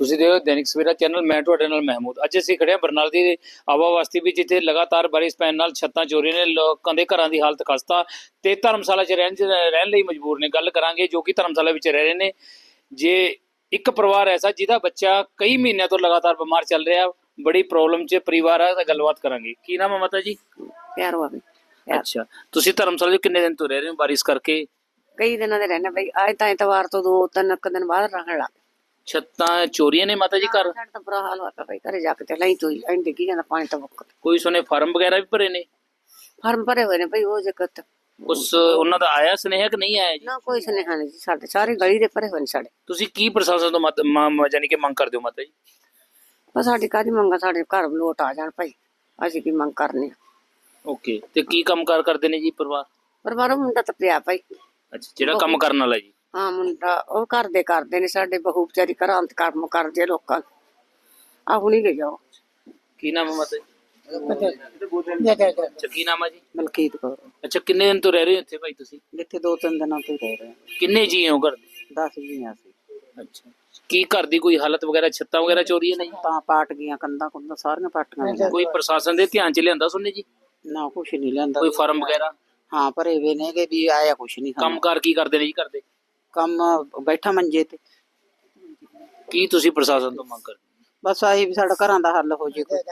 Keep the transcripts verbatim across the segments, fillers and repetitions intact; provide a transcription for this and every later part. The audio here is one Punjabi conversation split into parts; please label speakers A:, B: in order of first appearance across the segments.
A: ਤੁਸੀਂ ਦੇਖੋ ਦੈਨਿਕ ਸਵੇਰਾ ਚੈਨਲ, ਮੈਂ ਤੁਹਾਡੇ ਨਾਲ ਮਹਿਮੂਦ। ਅੱਜ ਅਸੀਂ ਖੜੇ ਹਾਂ ਬਰਨਾਲਾ ਦੀ ਆਵਾ ਬਸਤੀ ਵਿੱਚ, ਜਿੱਥੇ ਲਗਾਤਾਰ ਬਾਰਿਸ਼ ਪੈਣ ਨਾਲ ਛੱਤਾਂ ਚੋਰੀ ਨੇ, ਲੋਕਾਂ ਦੇ ਘਰਾਂ ਦੀ ਹਾਲਤ ਖਸਤਾ ਤੇ ਧਰਮਸ਼ਾਲਾ 'ਚ ਰਹਿਣ ਰਹਿਣ ਲਈ ਮਜਬੂਰ ਨੇ। ਗੱਲ ਕਰਾਂਗੇ ਜੋ ਕਿ ਧਰਮਸ਼ਾਲਾ ਵਿੱਚ ਰਹਿ ਰਹੇ ਨੇ। ਜੇ ਇੱਕ ਪਰਿਵਾਰ ਐਸਾ ਜਿਹਦਾ ਬੱਚਾ ਕਈ ਮਹੀਨਿਆਂ ਤੋਂ ਲਗਾਤਾਰ ਬਿਮਾਰ ਚੱਲ ਰਿਹਾ, ਬੜੀ ਪ੍ਰੋਬਲਮ 'ਚ ਪਰਿਵਾਰ ਆ, ਤਾਂ ਗੱਲਬਾਤ ਕਰਾਂਗੇ। ਕੀ ਨਾਮ ਹੈ ਮਾਤਾ ਜੀ?
B: ਪਿਆਰ ਹੋਵੇ।
A: ਅੱਛਾ, ਤੁਸੀਂ ਧਰਮਸ਼ਾਲਾ 'ਚ ਕਿੰਨੇ ਦਿਨ ਤੋਂ ਰਹਿ ਰਹੇ ਹੋ ਬਾਰਿਸ਼ ਕਰਕੇ?
B: ਕਈ ਦਿਨਾਂ ਦੇ ਰਹਿਣਾ ਬਈ, ਅੱਜ ਤਾਂ ਐਤਵਾਰ ਤੋਂ ਦੋ ਤਿੰਨ ਕੁ ਦਿਨ ਬਾਅਦ ਰਹਿਣ ਲੱਗ
A: ਛੱਤਾਂ ਚੋਰੀਆਂ ਨੇ ਮਾਤਾ ਜੀ ਘਰ?
B: ਸਾਡਾ ਤਾਂ ਬੁਰਾ ਹਾਲ ਹੋਇਆ ਬਈ, ਘਰੇ ਜਾ ਕੇ ਤੇ ਲਈ ਤੋਈ ਐਂ ਡਿੱਗੀ ਜਾਂਦਾ ਪਾਣੀ ਤਾਂ ਮੁੱਕ।
A: ਕੋਈ ਸੁਨੇ ਫਾਰਮ ਵਗੈਰਾ ਵੀ ਭਰੇ ਨੇ?
B: ਫਾਰਮ ਭਰੇ ਹੋਏ ਨੇ ਬਈ, ਉਹ ਜਗਤ
A: ਉਸ ਉਹਨਾਂ ਦਾ ਆਇਆ ਸੁਨੇਹਾ ਕਿ ਨਹੀਂ ਆਇਆ ਜੀ?
B: ਨਾ ਕੋਈ ਸੁਨੇਹਾ ਨਹੀਂ ਜੀ, ਸਾਡੇ ਸਾਰੀ ਗਲੀ ਦੇ ਭਰੇ ਹੋਏ ਨੇ ਸਾਡੇ।
A: ਤੁਸੀਂ ਕੀ ਪ੍ਰਸ਼ਾਸਨ ਤੋਂ ਮਤ ਮ- ਯਾਨੀ ਕਿ ਮੰਗ ਕਰਦੇ ਹੋ ਮਾਤਾ ਜੀ?
B: ਬਸ ਸਾਡੀ ਕਾਹਦੀ ਮੰਗਾ, ਸਾਡੇ ਘਰ ਲੋਟ ਆ ਜਾਣ ਭਾਈ, ਅਸੀਂ ਕੀ ਮੰਗ ਕਰਨੀ ਆ।
A: ਓਕੇ, ਤੇ ਕੀ ਕੰਮ ਕਾਰ ਕਰਦੇ ਨੇ ਜੀ ਪਰਿਵਾਰ?
B: ਪਰਿਵਾਰੋਂ ਮੁੰਡਾ ਤਾਂ ਪਿਆ ਭਾਈ।
A: ਅੱਛਾ, ਜਿਹੜਾ ਕੰਮ ਕਰਨ ਵਾਲਾ ਜੀ?
B: ਹਾਂ ਮੁੰਡਾ, ਉਹ ਘਰ ਦੇ ਕਰਦੇ ਨੇ, ਸਾਡੇ ਬਹੂ ਵਿਚਾਰੀ ਘਰਾਂ ਤੇ ਕੰਮ ਕਰਦੇ ਲੋਕਾਂ ਨੂੰ। ਆ ਹੁਣੀ ਗਈ ਜਾਓ।
A: ਕੀ ਨਾਮ ਹੈ ਮਾਤਾ ਜੀ? ਅੱਛਾ, ਕੀ ਨਾਮ ਹੈ ਜੀ?
B: ਮਲਕੀਤ ਕੌਰ।
A: ਅੱਛਾ, ਕਿੰਨੇ ਦਿਨ ਤੋਂ ਰਹਿ ਰਹੇ ਹੋ ਇੱਥੇ ਭਾਈ ਤੁਸੀਂ?
B: ਜਿੱਥੇ ਦੋ ਤਿੰਨ ਦਿਨਾਂ ਤੋਂ ਰਹਿ ਰਹੇ ਹਾਂ।
A: ਕਿੰਨੇ ਜੀ ਹੋ ਘਰ ਦੇ?
B: ਦਸ ਜੀਆਂ ਸੀ।
A: ਅੱਛਾ, ਕੀ ਘਰ ਦੀ ਕੋਈ ਹਾਲਤ ਵਗੈਰਾ, ਛੱਤਾਂ ਵਗੈਰਾ ਚੋਰੀ ਹੈ ਨਹੀਂ?
B: ਤਾਂ ਪਾਟ ਗਈਆਂ, ਕੰਧਾਂ ਕੁੰਧਾਂ ਸਾਰੀਆਂ ਪਾਟੀਆਂ।
A: ਕੋਈ ਪ੍ਰਸ਼ਾਸਨ ਦੇ ਧਿਆਨ 'ਚ ਲਿਆਂਦਾ ਸੁਣਨੇ ਜੀ?
B: ਨਾ ਕੁਛ ਨਹੀਂ ਲੈਂਦਾ।
A: ਕੋਈ ਫਾਰਮ ਵਗੈਰਾ?
B: ਹਾਂ ਭਰੇ ਵੇ ਨੇ ਕਿ ਵੀ ਆਇਆ ਕੁਛ ਨਹੀਂ।
A: ਕੰਮ ਕਾਰ ਕੀ ਕਰਦੇ ਨੇ ਜੀ ਘਰ ਦੇ?
B: ਕੰਮ ਬੈਠਾ ਮੰਜੇ ਤੇ।
A: ਕੀ ਤੁਸੀਂ ਪ੍ਰਸ਼ਾਸਨ ਤੋਂ ਮੰਗ ਕਰਦੇ?
B: ਬਸ ਆਹੀ ਵੀ ਸਾਡਾ ਘਰਾਂ ਦਾ ਹੱਲ ਹੋ ਜੇ ਕੋਈ।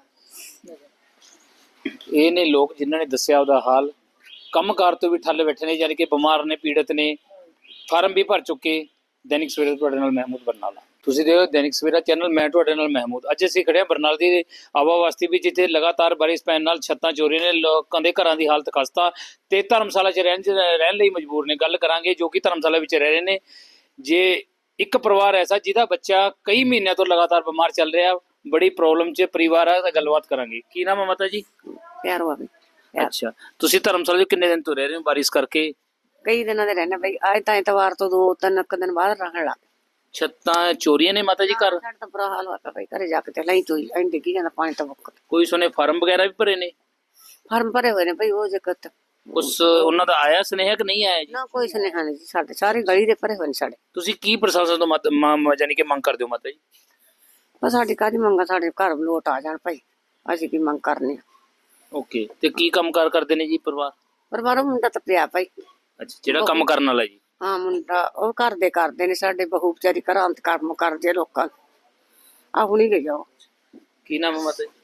A: ਇਹ ਨੇ ਲੋਕ ਜਿਨ੍ਹਾਂ ਨੇ ਦੱਸਿਆ ਉਹਦਾ ਹਾਲ। ਕੰਮਕਾਰ ਤੋਂ ਵੀ ਠੱਲ ਬੈਠੇ ਨੇ, ਯਾਨੀ ਕਿ ਬਿਮਾਰ ਨੇ, ਪੀੜਤ ਨੇ, ਫਾਰਮ ਵੀ ਭਰ ਚੁੱਕੇ। ਦੈਨਿਕ ਸਵੇਰਾ ਤੁਹਾਡੇ ਨਾਲ ਮਹਿਮੂਦ ਬਰਨਾਲਾ। ਤੁਸੀਂ ਦੇਖੋ ਦੈਨਿਕ ਸਵੇਰਾ ਚੈਨਲ, ਮੈਂ ਤੁਹਾਡੇ ਨਾਲ ਮਹਿਮੂਦ। ਅੱਜ ਅਸੀਂ ਖੜੇ ਹਾਂ ਬਰਨਾਲਾ ਦੀ ਆਵਾ ਬਸਤੀ ਵਿੱਚ, ਜਿੱਥੇ ਲਗਾਤਾਰ ਬਾਰਿਸ਼ ਪੈਣ ਨਾਲ ਛੱਤਾਂ ਚੋਰੀ ਨੇ, ਲੋਕਾਂ ਦੇ ਘਰਾਂ ਦੀ ਹਾਲਤ ਖਸਤਾ ਤੇ ਧਰਮਸ਼ਾਲਾ 'ਚ ਰਹਿਣ ਰਹਿਣ ਲਈ ਮਜਬੂਰ ਨੇ। ਗੱਲ ਕਰਾਂਗੇ ਜੋ ਕਿ ਧਰਮਸ਼ਾਲਾ ਵਿੱਚ ਰਹਿ ਰਹੇ ਨੇ। ਜੇ ਇੱਕ ਪਰਿਵਾਰ ਐਸਾ ਜਿਹਦਾ ਬੱਚਾ ਕਈ ਮਹੀਨਿਆਂ ਤੋਂ ਲਗਾਤਾਰ ਬਿਮਾਰ ਚੱਲ ਰਿਹਾ, ਬੜੀ ਪ੍ਰੋਬਲਮ 'ਚ ਪਰਿਵਾਰ ਆ, ਤਾਂ ਗੱਲਬਾਤ ਕਰਾਂਗੇ। ਕੀ ਨਾਮ ਹੈ ਮਾਤਾ ਜੀ?
B: ਪਿਆਰ ਹੋਵੇ।
A: ਅੱਛਾ, ਤੁਸੀਂ ਧਰਮਸ਼ਾਲਾ 'ਚ ਕਿੰਨੇ ਦਿਨ ਤੋਂ ਰਹਿ ਰਹੇ ਹੋ ਬਾਰਿਸ਼ ਕਰਕੇ?
B: ਕਈ ਦਿਨਾਂ ਦੇ ਰਹਿਣਾ ਬਈ, ਅੱਜ ਤਾਂ ਐਤਵਾਰ ਤੋਂ ਦੋ ਤਿੰਨ ਕੁ ਦਿਨ ਬਾਅਦ ਰਹਿਣ ਲੱਗ।
A: ਛੱਤਾਂ ਚੋਰੀਆਂ ਨੇ ਮਾਤਾ ਜੀ ਘਰ?
B: ਸਾਡਾ ਤਾਂ ਬੁਰਾ ਹਾਲ ਹੋਇਆ ਬਈ, ਘਰੇ ਜਾ ਕੇ ਤੇ ਲਈ ਤੋਈ ਐਂ ਡਿੱਗੀ ਜਾਂਦਾ ਪਾਣੀ ਤਾਂ ਮੁੱਕ।
A: ਕੋਈ ਸੁਨੇ ਫਾਰਮ ਵਗੈਰਾ ਵੀ ਭਰੇ ਨੇ?
B: ਫਾਰਮ ਭਰੇ ਹੋਏ ਨੇ ਬਈ, ਉਹ ਜਗਤ
A: ਉਸ ਉਹਨਾਂ ਦਾ ਆਇਆ ਸੁਨੇਹਾ ਕਿ ਨਹੀਂ ਆਇਆ ਜੀ?
B: ਨਾ ਕੋਈ ਸੁਨੇਹਾ ਨਹੀਂ ਜੀ, ਸਾਡੇ ਸਾਰੀ ਗਲੀ ਦੇ ਭਰੇ ਹੋਏ ਨੇ ਸਾਡੇ।
A: ਤੁਸੀਂ ਕੀ ਪ੍ਰਸ਼ਾਸਨ ਤੋਂ ਮਤ ਮ- ਯਾਨੀ ਕਿ ਮੰਗ ਕਰਦੇ ਹੋ ਮਾਤਾ ਜੀ?
B: ਬਸ ਸਾਡੀ ਕਾਹਦੀ ਮੰਗਾ, ਸਾਡੇ ਘਰ ਲੋਟ ਆ ਜਾਣ ਭਾਈ, ਅਸੀਂ ਕੀ ਮੰਗ ਕਰਨੀ ਆ।
A: ਓਕੇ, ਤੇ ਕੀ ਕੰਮ ਕਾਰ ਕਰਦੇ ਨੇ ਜੀ ਪਰਿਵਾਰ?
B: ਪਰਿਵਾਰੋਂ ਮੁੰਡਾ ਤਾਂ ਪਿਆ ਭਾਈ।
A: ਅੱਛਾ, ਜਿਹੜਾ ਕੰਮ ਕਰਨ ਵਾਲਾ ਜੀ?
B: ਹਾਂ ਮੁੰਡਾ, ਉਹ ਘਰ ਦੇ ਕਰਦੇ ਨੇ, ਸਾਡੇ ਬਹੂ ਵਿਚਾਰੀ ਘਰਾਂ ਤੇ ਕੰਮ ਕਰਦੇ ਲੋਕਾਂ ਨੂੰ। ਆ ਹੁਣੀ ਗਈ ਜਾਓ।
A: ਕੀ ਨਾਮ ਹੈ ਮਾਤਾ ਜੀ?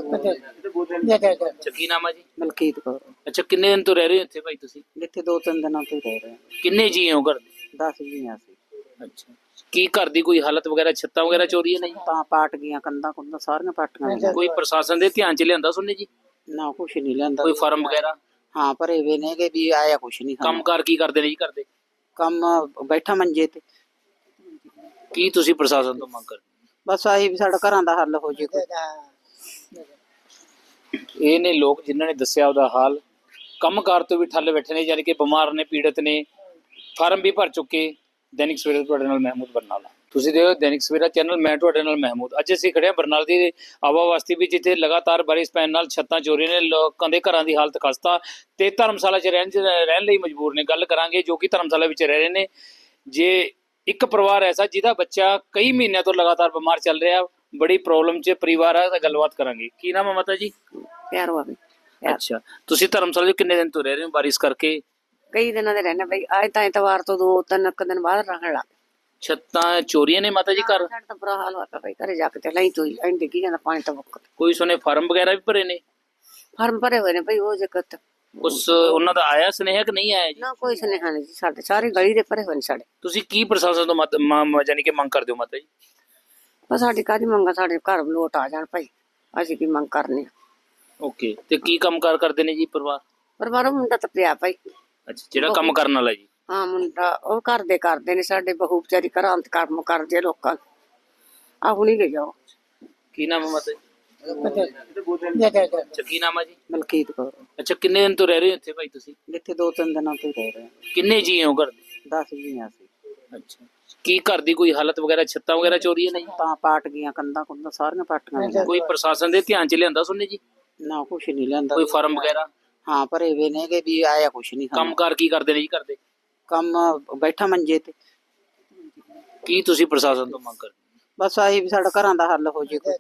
A: ਅੱਛਾ, ਕੀ ਨਾਮ ਹੈ ਜੀ?
B: ਮਲਕੀਤ ਕੌਰ।
A: ਅੱਛਾ, ਕਿੰਨੇ ਦਿਨ ਤੋਂ ਰਹਿ ਰਹੇ ਹੋ ਇੱਥੇ ਭਾਈ ਤੁਸੀਂ?
B: ਜਿੱਥੇ ਦੋ ਤਿੰਨ ਦਿਨਾਂ ਤੋਂ ਰਹਿ ਰਹੇ ਹਾਂ।
A: ਕਿੰਨੇ ਜੀ ਹੋ ਘਰ ਦੇ?
B: ਦਸ ਜੀਆਂ ਸੀ।
A: ਅੱਛਾ, ਕੀ ਘਰ ਦੀ ਕੋਈ ਹਾਲਤ ਵਗੈਰਾ, ਛੱਤਾਂ ਵਗੈਰਾ ਚੋਰੀ ਹੈ ਨਹੀਂ?
B: ਤਾਂ ਪਾਟ ਗਈਆਂ, ਕੰਧਾਂ ਕੁੰਧਾਂ ਸਾਰੀਆਂ ਪਾਟੀਆਂ।
A: ਕੋਈ ਪ੍ਰਸ਼ਾਸਨ ਦੇ ਧਿਆਨ 'ਚ ਲਿਆਂਦਾ ਸੁਣਨੇ ਜੀ?
B: ਨਾ ਕੁਛ ਨਹੀਂ ਲੈਂਦਾ।
A: ਕੋਈ ਫਾਰਮ ਵਗੈਰਾ?
B: ਹਾਂ ਭਰੇ ਵੇ ਨੇ ਕਿ ਵੀ ਆਇਆ ਕੁਛ ਨਹੀਂ।
A: ਕੰਮ ਕਾਰ ਕੀ ਕਰਦੇ ਨੇ ਜੀ ਘਰ ਦੇ?
B: ਕੰਮ ਬੈਠਾ ਮੰਜੇ ਤੇ।
A: ਕੀ ਤੁਸੀਂ ਪ੍ਰਸ਼ਾਸਨ ਤੋਂ ਮੰਗ ਕਰਦੇ?
B: ਬਸ ਆਹੀ ਵੀ ਸਾਡਾ ਘਰਾਂ ਦਾ ਹੱਲ ਹੋ ਜੇ ਕੋਈ।
A: ਇਹ ਨੇ ਲੋਕ ਜਿਨ੍ਹਾਂ ਨੇ ਦੱਸਿਆ ਉਹਦਾ ਹਾਲ। ਕੰਮਕਾਰ ਤੋਂ ਵੀ ਠੱਲ ਬੈਠੇ ਨੇ, ਯਾਨੀ ਕਿ ਬਿਮਾਰ ਨੇ, ਪੀੜਤ ਨੇ, ਫਾਰਮ ਵੀ ਭਰ ਚੁੱਕੇ। ਦੈਨਿਕ ਸਵੇਰਾ ਤੁਹਾਡੇ ਨਾਲ ਮਹਿਮੂਦ ਬਰਨਾਲਾ। ਤੁਸੀਂ ਦੇਖੋ ਦੈਨਿਕ ਸਵੇਰਾ ਚੈਨਲ, ਮੈਂ ਤੁਹਾਡੇ ਨਾਲ ਮਹਿਮੂਦ। ਅੱਜ ਅਸੀਂ ਖੜੇ ਹਾਂ ਬਰਨਾਲਾ ਦੀ ਆਵਾ ਬਸਤੀ ਵਿੱਚ, ਜਿੱਥੇ ਲਗਾਤਾਰ ਬਾਰਿਸ਼ ਪੈਣ ਨਾਲ ਛੱਤਾਂ ਚੋਰੀ ਨੇ, ਲੋਕਾਂ ਦੇ ਘਰਾਂ ਦੀ ਹਾਲਤ ਖਸਤਾ ਤੇ ਧਰਮਸ਼ਾਲਾ 'ਚ ਰਹਿਣ ਰਹਿਣ ਲਈ ਮਜਬੂਰ ਨੇ। ਗੱਲ ਕਰਾਂਗੇ ਜੋ ਕਿ ਧਰਮਸ਼ਾਲਾ ਵਿੱਚ ਰਹਿ ਰਹੇ ਨੇ। ਜੇ ਇੱਕ ਪਰਿਵਾਰ ਐਸਾ ਜਿਹਦਾ ਬੱਚਾ ਕਈ ਮਹੀਨਿਆਂ ਤੋਂ ਲਗਾਤਾਰ ਬਿਮਾਰ ਚੱਲ ਰਿਹਾ, ਬੜੀ ਪ੍ਰੋਬਲਮ 'ਚ ਪਰਿਵਾਰ ਆ, ਤਾਂ ਗੱਲਬਾਤ ਕਰਾਂਗੇ। ਕੀ ਨਾਮ ਹੈ ਮਾਤਾ ਜੀ?
B: ਪਿਆਰ ਹੋਵੇ।
A: ਅੱਛਾ, ਤੁਸੀਂ ਧਰਮਸ਼ਾਲਾ 'ਚ ਕਿੰਨੇ ਦਿਨ ਤੋਂ ਰਹਿ ਰਹੇ ਹੋ ਬਾਰਿਸ਼ ਕਰਕੇ?
B: ਕਈ ਦਿਨਾਂ ਦੇ ਰਹਿਣਾ ਬਈ, ਅੱਜ ਤਾਂ ਐਤਵਾਰ ਤੋਂ ਦੋ ਤਿੰਨ ਕੁ ਦਿਨ ਬਾਅਦ ਰਹਿਣ ਲੱਗ।
A: ਛੱਤਾਂ ਚੋਰੀਆਂ ਨੇ ਮਾਤਾ ਜੀ ਘਰ?
B: ਸਾਡਾ ਤਾਂ ਬੁਰਾ ਹਾਲ ਹੋਇਆ ਬਈ, ਘਰੇ ਜਾ ਕੇ ਤੇ ਲਈ ਤੋਈ ਐਂ ਡਿੱਗੀ ਜਾਂਦਾ ਪਾਣੀ ਤਾਂ ਮੁੱਕ।
A: ਕੋਈ ਸੁਨੇ ਫਾਰਮ ਵਗੈਰਾ ਵੀ ਭਰੇ ਨੇ?
B: ਫਾਰਮ ਭਰੇ ਹੋਏ ਨੇ ਬਈ, ਉਹ ਜਗਤ
A: ਉਸ ਉਹਨਾਂ ਦਾ ਆਇਆ ਸੁਨੇਹਾ ਕਿ ਨਹੀਂ ਆਇਆ ਜੀ?
B: ਨਾ ਕੋਈ ਸੁਨੇਹਾ ਨਹੀਂ ਜੀ, ਸਾਡੇ ਸਾਰੀ ਗਲੀ ਦੇ ਭਰੇ ਹੋਏ ਨੇ ਸਾਡੇ।
A: ਤੁਸੀਂ ਕੀ ਪ੍ਰਸ਼ਾਸਨ ਤੋਂ ਮਤ ਮ- ਯਾਨੀ ਕਿ ਮੰਗ ਕਰਦੇ ਹੋ ਮਾਤਾ ਜੀ?
B: ਬਸ ਸਾਡੀ ਕਾਹਦੀ ਮੰਗਾ, ਸਾਡੇ ਘਰ ਲੋਟ ਆ ਜਾਣ ਭਾਈ, ਅਸੀਂ ਕੀ ਮੰਗ ਕਰਨੀ ਆ।
A: ਓਕੇ, ਤੇ ਕੀ ਕੰਮ ਕਾਰ ਕਰਦੇ ਨੇ ਜੀ ਪਰਿਵਾਰ?
B: ਪਰਿਵਾਰੋਂ ਮੁੰਡਾ ਤਾਂ ਪਿਆ ਭਾਈ।
A: ਅੱਛਾ, ਜਿਹੜਾ ਕੰਮ ਕਰਨ ਵਾਲਾ ਜੀ?
B: ਹਾਂ ਮੁੰਡਾ, ਉਹ ਘਰ ਦੇ ਕਰਦੇ ਨੇ, ਸਾਡੇ ਬਹੂ ਵਿਚਾਰੀ ਘਰਾਂ ਤੇ ਕੰਮ ਕਰਦੇ ਲੋਕਾਂ ਨੂੰ। ਆ ਹੁਣੀ ਗਈ ਜਾਓ।
A: ਕੀ ਨਾਮ ਹੈ ਮਾਤਾ ਜੀ? ਅੱਛਾ, ਕੀ ਨਾਮ ਹੈ ਜੀ?
B: ਮਲਕੀਤ ਕੌਰ।
A: ਅੱਛਾ, ਕਿੰਨੇ ਦਿਨ ਤੋਂ ਰਹਿ ਰਹੇ ਹੋ ਇੱਥੇ ਭਾਈ ਤੁਸੀਂ?
B: ਜਿੱਥੇ ਦੋ ਤਿੰਨ ਦਿਨਾਂ ਤੋਂ ਰਹਿ ਰਹੇ ਹਾਂ।
A: ਕਿੰਨੇ ਜੀ ਹੋ ਘਰ ਦੇ?
B: ਦਸ ਜੀਆਂ ਸੀ।
A: ਅੱਛਾ, ਕੀ ਘਰ ਦੀ ਕੋਈ ਹਾਲਤ ਵਗੈਰਾ, ਛੱਤਾਂ ਵਗੈਰਾ ਚੋਰੀ ਹੈ ਨਹੀਂ?
B: ਤਾਂ ਪਾਟ ਗਈਆਂ, ਕੰਧਾਂ ਕੁੰਧਾਂ ਸਾਰੀਆਂ ਪਾਟੀਆਂ।
A: ਕੋਈ ਪ੍ਰਸ਼ਾਸਨ ਦੇ ਧਿਆਨ 'ਚ ਲਿਆਂਦਾ ਸੁਣਨੇ ਜੀ?
B: ਨਾ ਕੁਛ ਨਹੀਂ ਲੈਂਦਾ।
A: ਕੋਈ ਫਾਰਮ ਵਗੈਰਾ?
B: ਹਾਂ ਭਰੇ ਵੇ ਨੇ ਕਿ ਵੀ ਆਇਆ ਕੁਛ ਨਹੀਂ।
A: ਕੰਮ ਕਾਰ ਕੀ ਕਰਦੇ ਨੇ ਜੀ ਘਰ ਦੇ?
B: ਕੰਮ ਬੈਠਾ ਮੰਜੇ ਤੇ।
A: ਕੀ ਤੁਸੀਂ ਪ੍ਰਸ਼ਾਸਨ ਤੋਂ ਮੰਗ ਕਰਦੇ?
C: ਬਸ ਆਹੀ ਵੀ ਸਾਡਾ ਘਰਾਂ ਦਾ ਹੱਲ ਹੋ ਜੇ ਕੋਈ।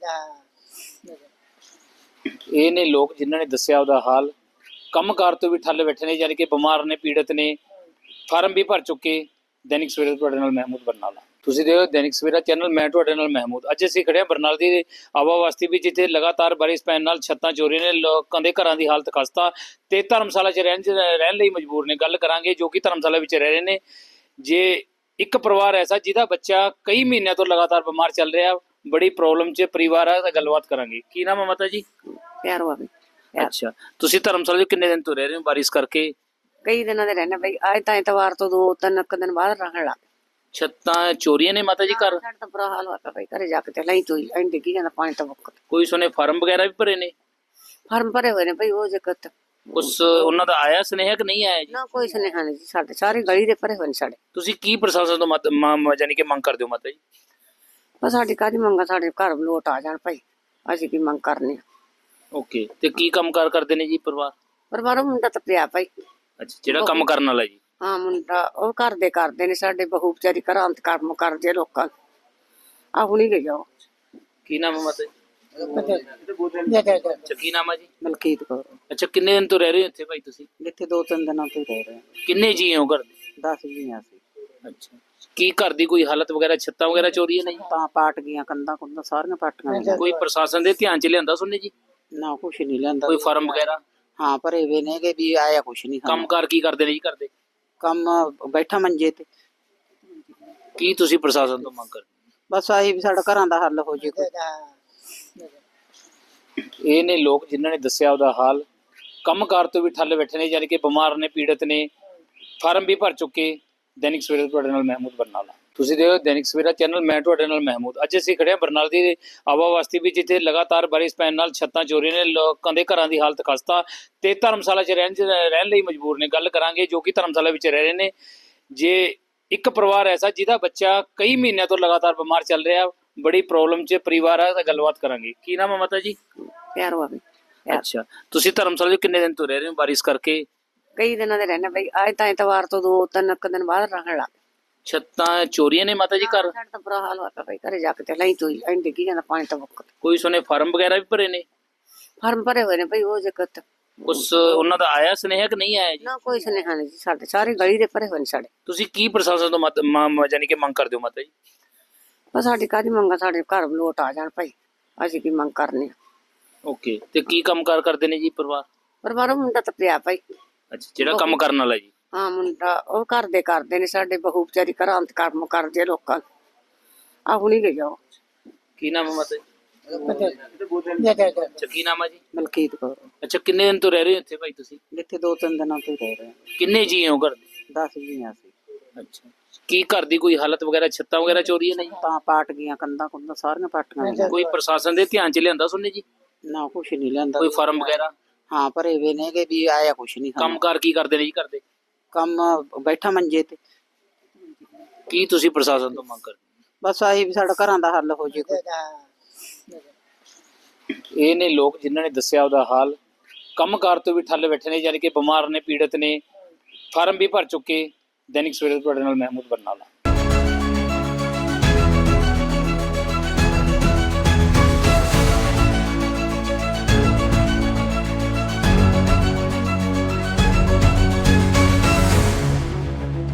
A: ਇਹ ਨੇ ਲੋਕ ਜਿਨ੍ਹਾਂ ਨੇ ਦੱਸਿਆ ਉਹਦਾ ਹਾਲ। ਕੰਮਕਾਰ ਤੋਂ ਵੀ ਠੱਲ ਬੈਠੇ ਨੇ, ਯਾਨੀ ਕਿ ਬਿਮਾਰ ਨੇ, ਪੀੜਤ ਨੇ, ਫਾਰਮ ਵੀ ਭਰ ਚੁੱਕੇ। ਦੈਨਿਕ ਸਵੇਰਾ ਤੁਹਾਡੇ ਨਾਲ ਮਹਿਮੂਦ ਬਰਨਾਲਾ। ਤੁਸੀਂ ਦੇਖੋ ਦੈਨਿਕ ਸਵੇਰਾ ਚੈਨਲ, ਮੈਂ ਤੁਹਾਡੇ ਨਾਲ ਮਹਿਮੂਦ। ਅੱਜ ਅਸੀਂ ਖੜੇ ਹਾਂ ਬਰਨਾਲਾ ਦੀ ਆਵਾ ਬਸਤੀ ਵਿੱਚ, ਜਿੱਥੇ ਲਗਾਤਾਰ ਬਾਰਿਸ਼ ਪੈਣ ਨਾਲ ਛੱਤਾਂ ਚੋਰੀ ਨੇ, ਲੋਕਾਂ ਦੇ ਘਰਾਂ ਦੀ ਹਾਲਤ ਖਸਤਾ ਤੇ ਧਰਮਸ਼ਾਲਾ 'ਚ ਰਹਿਣ ਰਹਿਣ ਲਈ ਮਜਬੂਰ ਨੇ। ਗੱਲ ਕਰਾਂਗੇ ਜੋ ਕਿ ਧਰਮਸ਼ਾਲਾ ਵਿੱਚ ਰਹਿ ਰਹੇ ਨੇ। ਜੇ ਇੱਕ ਪਰਿਵਾਰ ਐਸਾ ਜਿਹਦਾ ਬੱਚਾ ਕਈ ਮਹੀਨਿਆਂ ਤੋਂ ਲਗਾਤਾਰ ਬਿਮਾਰ ਚੱਲ ਰਿਹਾ, ਬੜੀ ਪ੍ਰੋਬਲਮ 'ਚ ਪਰਿਵਾਰ ਆ, ਤਾਂ ਗੱਲਬਾਤ ਕਰਾਂਗੇ। ਕੀ ਨਾਮ ਹੈ ਮਾਤਾ ਜੀ?
B: ਪਿਆਰ ਹੋਵੇ।
A: ਅੱਛਾ, ਤੁਸੀਂ ਧਰਮਸ਼ਾਲਾ 'ਚ ਕਿੰਨੇ ਦਿਨ ਤੋਂ ਰਹਿ ਰਹੇ ਹੋ ਬਾਰਿਸ਼ ਕਰਕੇ?
B: ਕਈ ਦਿਨਾਂ ਦੇ ਰਹਿਣਾ ਬਈ, ਅੱਜ ਤਾਂ ਐਤਵਾਰ ਤੋਂ ਦੋ ਤਿੰਨ ਕੁ ਦਿਨ ਬਾਅਦ ਰਹਿਣ ਲੱਗ
A: ਛੱਤਾਂ ਚੋਰੀਆਂ ਨੇ ਮਾਤਾ ਜੀ ਘਰ?
B: ਸਾਡਾ ਤਾਂ ਬੁਰਾ ਹਾਲ ਹੋਇਆ ਬਈ, ਘਰੇ ਜਾ ਕੇ ਤੇ ਲਈ ਤੋਈ ਐਂ ਡਿੱਗੀ ਜਾਂਦਾ ਪਾਣੀ ਤਾਂ ਮੁੱਕ।
A: ਕੋਈ ਸੁਣੇ ਫਾਰਮ ਵਗੈਰਾ ਵੀ ਭਰੇ ਨੇ?
B: ਫਾਰਮ ਭਰੇ ਹੋਏ ਨੇ ਬਈ, ਉਹ ਜਗਤ
A: ਉਸ ਉਹਨਾਂ ਦਾ ਆਇਆ ਸੁਨੇਹਾ ਕਿ ਨਹੀਂ ਆਇਆ ਜੀ?
B: ਨਾ ਕੋਈ ਸੁਨੇਹਾ ਨਹੀਂ ਜੀ, ਸਾਡੇ ਸਾਰੇ ਗਲੀ ਦੇ ਭਰੇ ਹੋਏ ਨੇ ਸਾਡੇ।
A: ਤੁਸੀਂ ਕੀ ਪ੍ਰਸ਼ਾਸਨ ਤੋਂ ਮਤ ਮ- ਯਾਨੀ ਕਿ ਮੰਗ ਕਰਦੇ ਹੋ ਮਾਤਾ ਜੀ?
B: ਬਸ ਸਾਡੀ ਕਾਹਦੀ ਮੰਗਾ, ਸਾਡੇ ਘਰ ਲੋਟ ਆ ਜਾਣ ਭਾਈ, ਅਸੀਂ ਕੀ ਮੰਗ ਕਰਨੀ ਆ।
A: ਓਕੇ, ਤੇ ਕੀ ਕੰਮਕਾਰ ਕਰਦੇ ਨੇ ਜੀ ਪਰਿਵਾਰ?
B: ਪਰਿਵਾਰ ਮੁੰਡਾ ਤਾਂ ਪਿਆ ਭਾਈ।
A: ਅੱਛਾ, ਜਿਹੜਾ ਕੰਮ ਕਰਨ ਵਾਲਾ ਜੀ?
B: ਹਾਂ ਮੁੰਡਾ ਉਹ ਘਰ ਦੇ ਕਰਦੇ ਨੇ, ਸਾਡੇ ਬਹੂ ਵਿਚਾਰੀ ਘਰਾਂ ਅੰਤ ਕੰਮ ਕਰਦੇ ਆ ਲੋਕਾਂ ਨੂੰ। ਆ ਹੁਣੀ ਗਈ ਆ ਉਹ।
A: ਕੀ ਨਾਮ ਹੈ ਮਾਤਾ ਜੀ? ਅੱਛਾ, ਕੀ ਨਾਮ ਹੈ ਜੀ?
C: ਮਲਕੀਤ ਕੌਰ।
A: ਅੱਛਾ, ਕਿੰਨੇ ਦਿਨ ਤੋਂ ਰਹਿ ਰਹੇ ਹੋ ਇੱਥੇ ਭਾਈ ਤੁਸੀਂ?
C: ਜਿੱਥੇ ਦੋ ਤਿੰਨ ਦਿਨਾਂ ਤੋਂ ਹੀ ਰਹਿ ਰਹੇ ਹਾਂ।
A: ਕਿੰਨੇ ਜੀ ਹੋ ਘਰ ਦੇ?
C: ਦਸ ਜੀਆਂ ਸੀ।
A: ਅੱਛਾ, ਕੀ ਘਰ ਦੀ ਕੋਈ ਹਾਲਤ ਵਗੈਰਾ, ਛੱਤਾਂ ਵਗੈਰਾ ਚੋਰੀ ਹੈ ਨਹੀਂ?
C: ਤਾਂ ਪਾਟ ਗਈਆਂ, ਕੰਧਾਂ ਕੁੰਧਾਂ ਸਾਰੀਆਂ ਪਾਟੀਆਂ ਗਈਆਂ।
A: ਕੋਈ ਪ੍ਰਸ਼ਾਸਨ ਦੇ ਧਿਆਨ ਚ ਲਿਆਂਦਾ ਸੁਣਨੇ ਜੀ?
C: ਨਾ ਕੁਛ ਨਹੀਂ ਲਿਆਂਦਾ।
A: ਕੋਈ ਫਾਰਮ ਵਗੈਰਾ?
C: ਹਾਂ ਭਰੇ ਵੇ ਨੇਗੇ ਵੀ ਆਇਆ ਕੁਛ ਨਹੀਂ।
A: ਕੰਮਕਾਰ ਕੀ ਕਰਦੇ ਨੇ ਜੀ ਘਰ ਦੇ?
C: ਕੰਮ ਬੈਠਾ ਮੰਜੇ ਤੇ।
A: ਕੀ ਤੁਸੀਂ ਪ੍ਰਸ਼ਾਸਨ ਤੋਂ ਮੰਗ ਕਰਦੇ?
C: ਬਸ ਆਹੀ ਵੀ ਸਾਡਾ ਘਰਾਂ ਦਾ ਹੱਲ ਹੋ ਜੇ ਕੋਈ।
A: ਇਹ ਨੇ ਲੋਕ ਜਿਨ੍ਹਾਂ ਨੇ ਦੱਸਿਆ ਉਹਦਾ ਹਾਲ। ਕੰਮਕਾਰ ਤੋਂ ਵੀ ਠੱਲ ਬੈਠੇ ਨੇ, ਯਾਨੀ ਕਿ ਬਿਮਾਰ ਨੇ, ਪੀੜਤ ਨੇ, ਫਾਰਮ ਵੀ ਭਰ ਚੁੱਕੇ। ਦੈਨਿਕ ਸਵੇਰਾ ਤੁਹਾਡੇ ਨਾਲ ਮਹਿਮੂਦ ਬਰਨਾਲਾ। ਤੁਸੀਂ ਦੇਖੋ ਦੈਨਿਕ ਸਵੇਰਾ ਚੈਨਲ, ਮੈਂ ਤੁਹਾਡੇ ਨਾਲ ਮਹਿਮੂਦ। ਅੱਜ ਅਸੀਂ ਖੜੇ ਹਾਂ ਬਰਨਾਲਾ ਦੀ ਆਵਾ ਬਸਤੀ ਵਿੱਚ, ਜਿੱਥੇ ਲਗਾਤਾਰ ਬਾਰਿਸ਼ ਪੈਣ ਨਾਲ ਛੱਤਾਂ ਚੋਰੀ ਨੇ, ਲੋਕਾਂ ਦੇ ਘਰਾਂ ਦੀ ਹਾਲਤ ਖਸਤਾ ਤੇ ਧਰਮਸ਼ਾਲਾ 'ਚ ਰਹਿਣ ਰਹਿਣ ਲਈ ਮਜਬੂਰ ਨੇ। ਗੱਲ ਕਰਾਂਗੇ ਜੋ ਕਿ ਧਰਮਸ਼ਾਲਾ ਵਿੱਚ ਰਹਿ ਰਹੇ ਨੇ। ਜੇ ਇੱਕ ਪਰਿਵਾਰ ਐਸਾ ਜਿਹਦਾ ਬੱਚਾ ਕਈ ਮਹੀਨਿਆਂ ਤੋਂ ਲਗਾਤਾਰ ਬਿਮਾਰ ਚੱਲ ਰਿਹਾ, ਬੜੀ ਪ੍ਰੋਬਲਮ 'ਚ ਪਰਿਵਾਰ ਆ, ਤਾਂ ਗੱਲਬਾਤ ਕਰਾਂਗੇ। ਕੀ ਨਾਮ ਹੈ ਮਾਤਾ ਜੀ?
B: ਪਿਆਰ ਹੋਵੇ।
A: ਅੱਛਾ, ਤੁਸੀਂ ਧਰਮਸ਼ਾਲਾ 'ਚ ਕਿੰਨੇ ਦਿਨ ਤੋਂ ਰਹਿ ਰਹੇ ਹੋ ਬਾਰਿਸ਼ ਕਰਕੇ?
B: ਕਈ ਦਿਨਾਂ ਦੇ ਰਹਿਣਾ ਬਈ, ਅੱਜ ਤਾਂ ਐਤਵਾਰ ਤੋਂ ਦੋ ਤਿੰਨ ਕੁ ਦਿਨ ਬਾਅਦ ਰਹਿਣ ਲੱਗ।
A: ਛੱਤਾਂ ਚੋਰੀਆਂ ਨੇ ਮਾਤਾ ਜੀ ਘਰ?
B: ਸਾਡਾ ਤਾਂ ਬੁਰਾ ਹਾਲ ਹੋਇਆ ਬਈ, ਘਰੇ ਜਾ ਕੇ ਤੇ ਲਈ ਤੋਈ ਐਂ ਡਿੱਗੀ ਜਾਂਦਾ ਪਾਣੀ ਤਾਂ ਮੁੱਕ।
A: ਕੋਈ ਸੁਣੇ ਫਾਰਮ ਵਗੈਰਾ ਵੀ ਭਰੇ ਨੇ?
B: ਫਾਰਮ ਭਰੇ ਹੋਏ ਨੇ ਬਈ, ਉਹ ਜਗਤ
A: ਉਸ ਉਹਨਾਂ ਦਾ ਆਇਆ ਸੁਨੇਹਾ ਕਿ ਨਹੀਂ ਆਇਆ ਜੀ?
B: ਨਾ ਕੋਈ ਸੁਨੇਹਾ ਨਹੀਂ ਜੀ, ਸਾਡੇ ਸਾਰੇ ਗਲੀ ਦੇ ਭਰੇ ਹੋਏ ਨੇ ਸਾਡੇ।
A: ਤੁਸੀਂ ਕੀ ਪ੍ਰਸ਼ਾਸਨ ਤੋਂ ਮਤ ਮ- ਯਾਨੀ ਕਿ ਮੰਗ ਕਰਦੇ ਹੋ ਮਾਤਾ ਜੀ?
B: ਬਸ ਸਾਡੀ ਕਾਹਦੀ ਮੰਗਾ, ਸਾਡੇ ਘਰ ਲੋਟ ਆ ਜਾਣ ਭਾਈ, ਅਸੀਂ ਕੀ ਮੰਗ ਕਰਨੀ ਆ।
A: ਓਕੇ, ਤੇ ਕੀ ਕੰਮਕਾਰ ਕਰਦੇ ਨੇ ਜੀ ਪਰਿਵਾਰ?
B: ਪਰਿਵਾਰ ਮੁੰਡਾ ਤਾਂ ਪਿਆ ਭਾਈ।
A: ਅੱਛਾ, ਜਿਹੜਾ ਕੰਮ ਕਰਨ ਵਾਲਾ ਜੀ?
B: ਹਾਂ ਮੁੰਡਾ ਉਹ ਘਰ ਦੇ ਕਰਦੇ ਨੇ, ਸਾਡੇ ਬਹੂ ਵਿਚਾਰੀ ਘਰਾਂ ਅੰਤ ਕੰਮ ਕਰਦੇ ਆ ਲੋਕਾਂ ਨੂੰ। ਆ ਹੁਣੀ ਗਈ ਆ ਉਹ।
A: ਕੀ ਨਾਮ ਹੈ ਮਾਤਾ ਜੀ? ਅੱਛਾ, ਕੀ ਨਾਮ ਹੈ ਜੀ?
C: ਮਲਕੀਤ ਕੌਰ।
A: ਅੱਛਾ, ਕਿੰਨੇ ਦਿਨ ਤੋਂ ਰਹਿ ਰਹੇ ਹੋ ਇੱਥੇ ਭਾਈ ਤੁਸੀਂ?
C: ਜਿੱਥੇ ਦੋ ਤਿੰਨ ਦਿਨਾਂ ਤੋਂ ਹੀ ਰਹਿ ਰਹੇ ਹਾਂ।
A: ਕਿੰਨੇ ਜੀ ਹੋ ਘਰ ਦੇ?
C: ਦਸ ਜੀਆਂ ਸੀ।
A: ਅੱਛਾ, ਕੀ ਘਰ ਦੀ ਕੋਈ ਹਾਲਤ ਵਗੈਰਾ, ਛੱਤਾਂ ਵਗੈਰਾ ਚੋਰੀ ਹੈ ਨਹੀਂ?
C: ਤਾਂ ਪਾਟ ਗਈਆਂ, ਕੰਧਾਂ ਕੁੰਧਾਂ ਸਾਰੀਆਂ ਪਾਟੀਆਂ ਗਈਆਂ।
A: ਕੋਈ ਪ੍ਰਸ਼ਾਸਨ ਦੇ ਧਿਆਨ ਚ ਲਿਆਂਦਾ ਸੁਣਨੇ ਜੀ?
C: ਨਾ ਕੁਛ ਨਹੀਂ ਲਿਆਂਦਾ।
A: ਕੋਈ ਫਾਰਮ ਵਗੈਰਾ?
C: ਹਾਂ ਭਰੇ ਵੇ ਨੇਗੇ ਵੀ ਆਇਆ ਕੁਛ ਨਹੀਂ।
A: ਕੰਮਕਾਰ ਕੀ ਕਰਦੇ ਨੇ ਜੀ ਘਰ ਦੇ?
C: ਕੰਮ ਬੈਠਾ ਮੰਜੇ ਤੇ।
A: ਕੀ ਤੁਸੀਂ ਪ੍ਰਸ਼ਾਸਨ ਤੋਂ ਮੰਗ ਕਰਦੇ?
C: ਬਸ ਆਹੀ ਵੀ ਸਾਡਾ ਘਰਾਂ ਦਾ ਹੱਲ ਹੋ ਜੇ ਕੋਈ।
A: ਇਹ ਨੇ ਲੋਕ ਜਿਨ੍ਹਾਂ ਨੇ ਦੱਸਿਆ ਉਹਦਾ ਹਾਲ। ਕੰਮਕਾਰ ਤੋਂ ਵੀ ਠੱਲ ਬੈਠੇ ਨੇ, ਯਾਨੀ ਕਿ ਬਿਮਾਰ ਨੇ, ਪੀੜਤ ਨੇ, ਫਾਰਮ ਵੀ ਭਰ ਚੁੱਕੇ। ਦੈਨਿਕ ਸਵੇਰਾ ਤੁਹਾਡੇ ਨਾਲ ਮਹਿਮੂਦ ਬਰਨਾਲਾ।